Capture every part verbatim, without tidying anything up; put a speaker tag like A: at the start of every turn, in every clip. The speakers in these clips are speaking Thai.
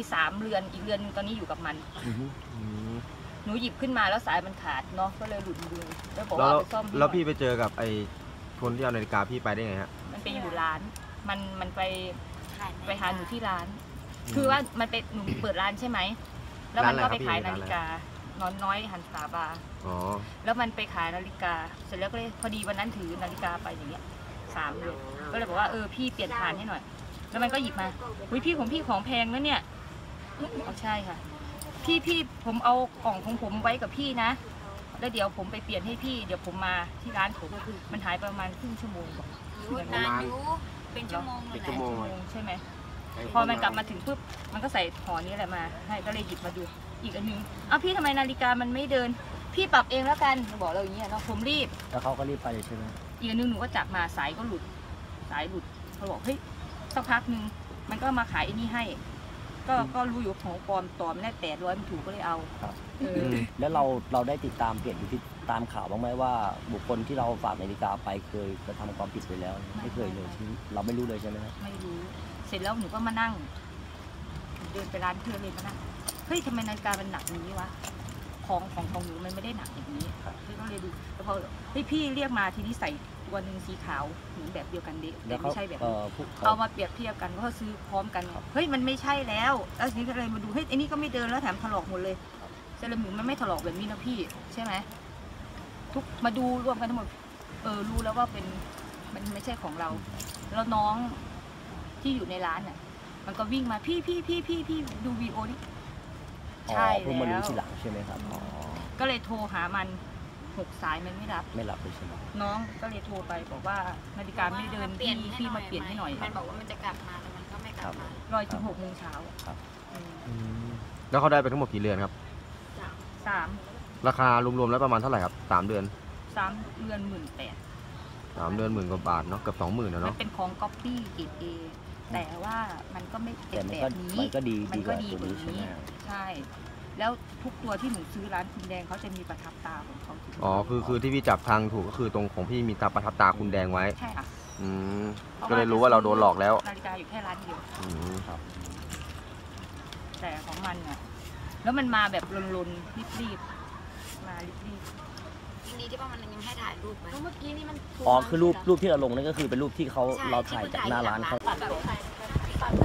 A: สามเรือนอีกเรือนนึงตอนนี้อยู่กับมันหนูหยิบขึ้นมาแล้วสายมันขาดเนาะก็เลยหลุดมือแล้วบอกว่าไปซ่อมแล้ว
B: พี่ไปเจอกับไอ้คนที่เอานาฬิกาพี่ไปได้ไงฮะ
A: มันไปอยู่ร้านมันมันไปไปหาหนูที่ร้านคือว่ามันเป็นหนูเปิดร้านใช่ไหมแล้วมันก็ไปขายนาฬิกานอนน้อยหันสาบาอ๋อแล้วมันไปขายนาฬิกาเสร็จแล้วก็เลยพอดีวันนั้นถือนาฬิกาไปอย่างเงี้ยสามเลยก็เลยบอกว่าเออพี่เปลี่ยนฐานให้หน่อยแล้วมันก็หยิบมาอุ้ยพี่ของพี่ของแพงนะเนี่ยเอาใช่ค่ะพี่พี่ผมเอากล่องของผมไว้กับพี่นะแล้วเดี๋ยวผมไปเปลี่ยนให้พี่เดี๋ยวผมมาที่ร้านผมมันหายประมาณครึ่งชั่วโมง
C: นานอยู่เป็นชั่วโมงเลย
A: ชั่วโมงใช่ไหมพอมันกลับมาถึงปุ๊บมันก็ใส่ห่อนี้แหละมาให้ก็เลยหยิบมาดูอีกอันนึงอ้าวพี่ทำไมนาฬิกามันไม่เดินพี่ปรับเองแล้วกันบอกเราอย่างเงี้ยเนาะผมรีบ
D: แล้วเขาก็รีบไปใช่ไหม
A: อีกอันนึงหนูก็จับมาสายก็หลุดสายหลุดเขาบอกเฮ้ยสักพักนึงมันก็มาขายไอ้นี่ให้ก็ก็รู้อยู่ของปลอมต่อไม่ได้แปดร้อยมันถูกก็เลยเอา
D: แล้วเราเราได้ติดตามเปลี่ยนอยู่ที่ตามข่าวบ้างไหมว่าบุคคลที่เราฝากนาฬิกาไปเคยกระทำความผิดไปแล้วไม่เคยเลยเราไม่รู้เลยใช่ไหม
A: ไม่รู้เสร็จแล้วหนูก็มานั่งเดินไปร้านเพื่อนเลยมานั่งเฮ้ยทำไมนาฬิกามันหนักอย่างนี้วะของของของหนูมันไม่ได้หนักอย่างนี้พี่ก็เลยดูแล้วพอเฮ้ยพี่เรียกมาทีนี้ใส่ตัวหนึ่งสีขาวเหมือนแบบเดียวกันเด็กแต่ไม่ใช่แบบเอามาเปรียบเทียบกันก็ซื้อพร้อมกันเฮ้ยมันไม่ใช่แล้วแล้วทีนี้ก็เลยมาดูเฮ้ยไอ้นี่ก็ไม่เดินแล้วแถมถลอกหมดเลยเซรามิกมันไม่ถลอกแบบนี้นะพี่ใช่ไหมทุกมาดูรวมกันทั้งหมดเออรู้แล้วว่าเป็นมันไม่ใช่ของเราแล้วน้องที่อยู่ในร้านน่ะมันก็วิ่งมาพี่พี่พี่พี่พี่ดูวีโอนี่
D: ใช่แล้วมารู้ทีหลังใช่ไหมครับ
A: ก็เลยโทรหามันหกสายมันไม่รับ
D: ไม่รับเลยใช่ไหม
A: น้องก็เลยโทรไปบอกว่านาฬิกาไม่เดินพี่พี่มาเปลี่ยนให้หน่อย
C: มันบอกว่ามันจะกลับมาแต่มันก็ไม่กลับมาร
A: อถึงหกโมงเช้า
D: ครับ
B: แล้วเขาได้ไปทั้งหมดกี่เรือนครับ
A: สาม
B: ราคารวมๆแล้วประมาณเท่าไหร่ครับสามเดือน
A: สามเดือนหมื่นแปด
B: สามเดือนหมื่นกว่าบาทเนาะเกือบสองหมื่นนะเนาะ
A: มันเป็นของก๊อปปี้เกรดเอแต่ว่ามันก็ไม่เป็นแบบนี้
D: มันก็ดี
A: มันก็ดีกว่านี้ใช่แล้วทุกตัวที่หนูซื้อร้านคุณแดงเขาจะมีประทับตาของเขา
B: อ๋อคือคือที่พี่จับทางถูกก็คือตรงของพี่มีตาประทับตาคุณแดงไว้
A: ใช่ค่ะ
B: อืมก็เลยรู้ว่าเราโดนหลอกแล้ว
A: นาฬิกาอยู่แค่ร้านเดียว
B: อืมครับ
A: แต่ของมันอ่ะแล้วมันมาแบบลนๆรีบๆมารีบ
C: ๆทีนี้ที่ว่ามันยังให้ถ่ายรูปไหมเมื่อกี้นี่มัน
D: อ๋อคือรูปรูปที่เราลงนั่นก็คือเป็นรูปที่เขาเราถ่ายจากหน้าร้านเขา
A: ปัดแบบปัด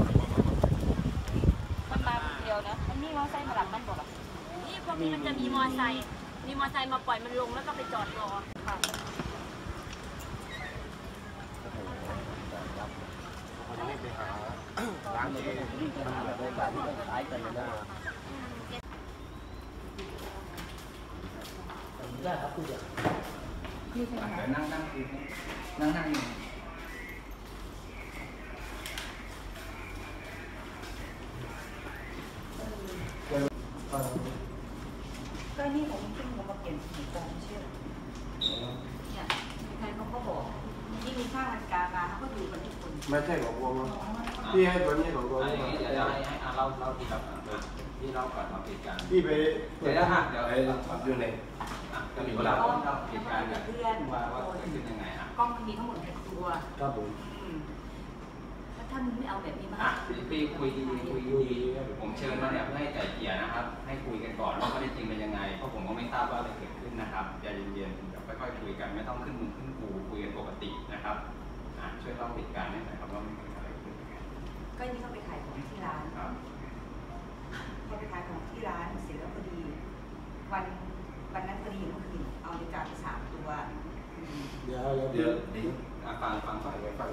A: มันมาเดียวนะมันนี่มอไซค์มาหลับมันบอกอ่ะ
C: นี่พวกนี้มันจะมีมอไซค์มีมอไซค์มาปล่อยมันลงแล้วก็ไปจอดรอค่ะ
D: ร้านมันก็วิ่งกันแบบในการที่คล้ายกันเลยนะได้ครับคุณเดียว
E: นั่งนั่งนั่งนั่ง
A: ก็นี่ผมขึ้นมามาเปลี่ยนสีกองเชื่อเนี่ยใครเขาก็บอกนี่มีข้างนาฬิกามาเขาก็ดูกันทุกคน
E: ไม่ใช่ของวงพี่ให้ตัวนี้ของตัวนี้
F: เดี๋ยวให้ให้เล่าเล่าที่เราที่เราก่อนมาเหตุการณ์
E: พี่ไป
F: เดี๋ยวนะเดี๋ยว
E: อยู่ใน
F: ก็มีเวลาเล่าเหตุการณ์เพื่อนว่าว่าเกิดขึ้นยังไงอ่ะ
A: กล้องมันมีทั้งหมดหกตัว
E: ครับผม
A: แล้วถ้ามึงไม่เอาแบบนี้มา
F: พี่คุยดีคุยดีผมเชิญมาเนี่ยเพื่อให้ไก่เกลี่ยนะครับให้คุยกันก่อนว่าข้อเท็จจริงเป็นยังไงเพราะผมก็ไม่ทราบว่าอะไรเกิดขึ้นนะครับใจเย็นๆเดี๋ยวค่อยๆคุยกันไม่ต้องขึ้นมึงขึ้นกูคุยกันปกตินะครับช่วยเล่าเหตุการณ์ให้หน่อยครับว่ามันเกิดอะไรขึ้น
A: ก็นี่เขาไปขายของที่ร้านเขาไปขายของที่ร้านเสร็จแล้วพอดีวันวันนั้นพอดีเมื่อคืนเอานาฬิกาไปสามตัว
E: เดี๋ยวเดี๋ยว
F: เดี๋ยวฟังฟังก่อน
E: ฟัง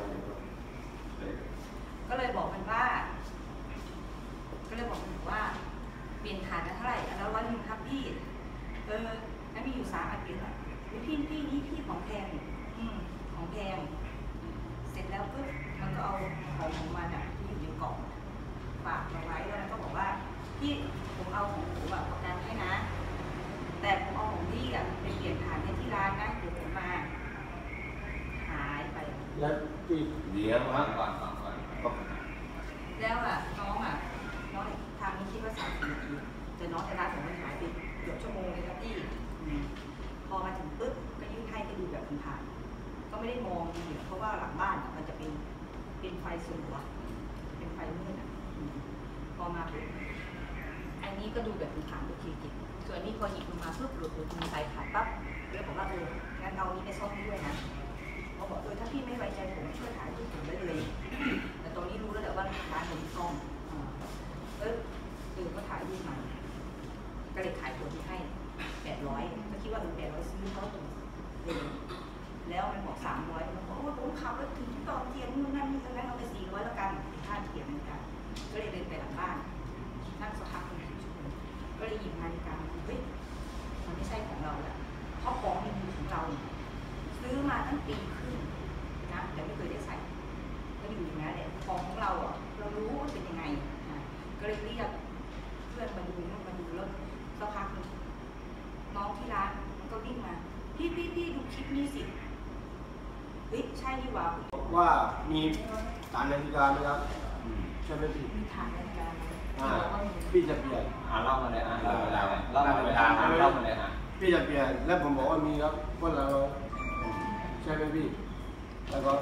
A: ก็เลยบอกมันว่าก็เลยบอกมันว่าเปลี่ยนฐานกันเท่าไหร่แล้วร้อยหนึ่งครับพี่เออแล้วมีอยู่สามอันเดียวอ่ะพี่พี่นี่พี่ของแพงอืมของแพงเสร็จแล้วก็มันก็เอาของของมันอ่ะที่อยู่ในกล่องฝากมาไว้แล้วก็บอกว่าพี่ผมเอาของผมแบบประกันให้นะแต่ผมเอาของพี่อ่ะไปเปลี่ยนฐานให้ที่ร้านนะเดี๋ยวผมมาหายไป
E: แล้วพี่
F: เดี๋ยวฟังก่อนฟังก่อน
A: แล้วอ่ะน้องอ่ะน้องทางนี้คิดว่าสามสิบนาทีแต่น้องในร้านผมมันหายไปเกือบชั่วโมงเลยครับพี่พอมาถึงปุ๊บก็ยื่นให้ไปดูแบบผ่านก็ไม่ได้มองดีเพราะว่าหลังบ้านมันจะเป็นเป็นไฟสลัวเป็นไฟมืดอ่ะพอมาปุ๊บอันนี้ก็ดูแบบผ่านโอเคเก็บส่วนอันนี้พอหยิบมาปุ๊บหลุดหลุดมือใส่ขาดปั๊บแล้วบอกว่าเอองั้นเอานี้ไปซ่อมให้ด้วยนะเขาบอกเออถ้าพี่ไม่ไว้ใจผมช่วยถ่ายรูปผมได้เลยแต่ตอนนี้รู้แล้วแหละว่าร้านผมซ่อมเออเออก็ถ่ายรูปมาก็เลยขายตัวที่ให้แปดร้อยก็คิดว่าเออแปดร้อยซื้อเขาถูกเลยแล้วมันบอกสามร้อยมันบอกว่าผมขับรถถึงที่ต่อเทียนนู่นนั่นนี่ตรงนั้นเอาไปสี่ร้อยแล้วกันค่าเทียนเหมือนกันก็เลยเดินไปหลังบ้านนั่งสักพักหนึ่งชั่วโมงก็เลยหยิบนาฬิกาเฮ้ยมันไม่ใช่ของเราแล้วเพราะของมันอยู่ของเราซื้อมาตั้งปีครึ่งนะแต่ไม่เคยได้ใส่ก็อยู่อย่างนั้นแหละของของเราอ่ะเรารู้ว่าเป็นยังไงนะก็เลยเรียกเพื่อนมาดูนู่นมาดูแล้วสักพักหนึ่งน้องที่ร้านก็วิ่งมาพี่พี่พี่ดูคลิปนี้สิเฮ้ยใช่ดีกว่า
G: ว่ามีฐานนาฬิกาไหมครับใช่ไหมพี่
A: มีฐานนาฬิกาไหม
G: อ่าพี่จะเปลี่ยน
F: อ่าเล่ามาเลยอ่ะเล่ามาเลยเล่ามาเวลาอ่ะเล่ามาเลยอ่ะ
G: พี่จะเปลี่ยนแล้วผมบอกว่ามีครับว่าเราใช่ไหมพี่แล้วก็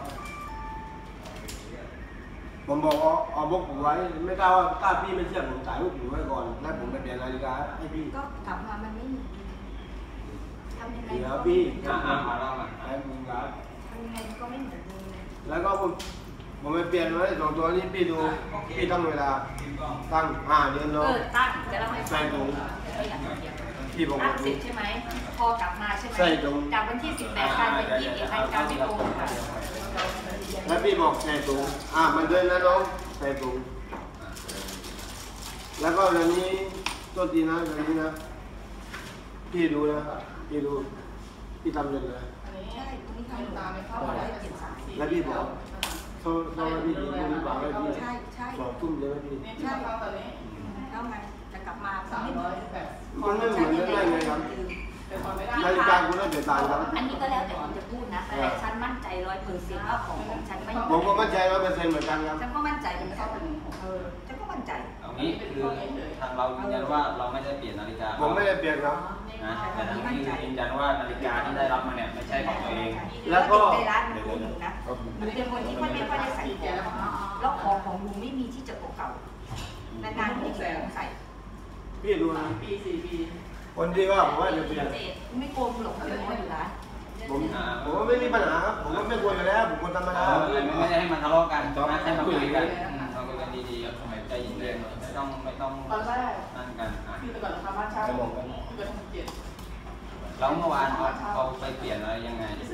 G: ผมบอกเอาเอาบล็อกผมไว้ไม่กล้าว่าถ้าพี่ไม่เชื่อผมถ่ายรูปผมไว้ก่อนแล้วผมไปเปลี่ยนนาฬิกาให้พี่
A: ก็กลับมามันไม่มีทำยังไง
G: เดี๋ยว
A: ก็
G: พี่
F: อ่ะอ่ะมาเล่ามา
G: ให้ผมครับ
A: ทำยังไงก็ไม่เหมือนเดิม
G: แล้วก็ผมผมไปเปลี่ยนไว้สองตัวนี้พี่ดูพี่ตั้งเวลาตั้งห้าเดือน
A: เอ
G: เนาะ
A: อตั้งจะเล่าให้ฟัง
G: ใส่ถุง
A: ก็อยากจะเขียน
G: พี่ผม
A: ตั้งเสร็จใช่ไหมพอกลับมาใช่ไหม
G: ใส่ถุง
A: จากวันที่สิบแปดกลายเป็นยี่สิบเอ็ดนาฬิกาไม่ตรงค่ะ
G: แล้วพี่บอกใส่ถุงอ่ามันเดินนะน้องใส่ถุงแล้วก็เรื่องนี้ตัวทีนะเรื่องนี้นะพี่ดูนะพี่ดูพี่ทำเลยนะ
A: ใช่ตรงนี้ทำตามไปเข้ามาได้เจ็ดสาม
G: แล้วพี่บอกเขาเขาให้พี่ดูพี่บอกให้พี่
A: ใช่ใช่
G: สอบทุ่มใช่ไหมพี่
A: ใช่แล้วมันจะกลับมาสามร้อยแปด
G: มันไม่เหมือนกันได้ไงครับนาฬิกาคุณน่าจะต่างครับ
A: อันนี้ก็แล้วแต่คุณจะพูดนะแต่ฉันมั่นใจร้อยเปอร์เซ็นต์ว่าของของฉันไม่
G: ผมก็มั่นใจร้อยเปอร์เซ็นต์เหมือนกันครับ
A: ฉันก็มั่นใจเป็นข้อเป็นเออฉันก็มั่นใจ
F: เอางี้คือทางเรายืนยันว่าเราไม่ได้เปลี่ยนนาฬิกา
G: ผมไม่ได้เปลี่ยนครับ
F: นะแต่ทางนี้คือยืนยันว่านาฬิกาที่ได้รับมาเนี่ยไม่ใช่ของตัวเอง
G: แล้วก็
A: ในร้านมันรู้อยู่นะมันเป็นคนที่ไม่ไม่ค่อยได้ใส่ของแล้วของของลุงไม่มีที่จะเก่าๆนานๆที่จะใส่
G: พี่ดูนะ
E: ปีสี่ปี
G: คนที่ว่าผมว่าจะเปลี่ยน
A: ไม่โกงหรอกเป็นน้อยอยู่ร้าน
G: ผมผมว่าไม่มีปัญหาครับผมว่าไม่ควรอยู่แล้วผมคนธรรมดา
F: ไม่ได้ให้มันทะเลาะกันนะให้มาคุยกันเราคุยกันดีๆทำไมใจเย็นๆไม่ต้องไม่ต้อง
E: ตอนแรก
F: นั่นกันอ่ะ
E: พี่แต่ก่อนทำบ้านเช่าพี่ไปทำเจ็ด
F: แล้วเมื่อวานเขาเขาไปเปลี่ยนอะไรยังไง
E: ส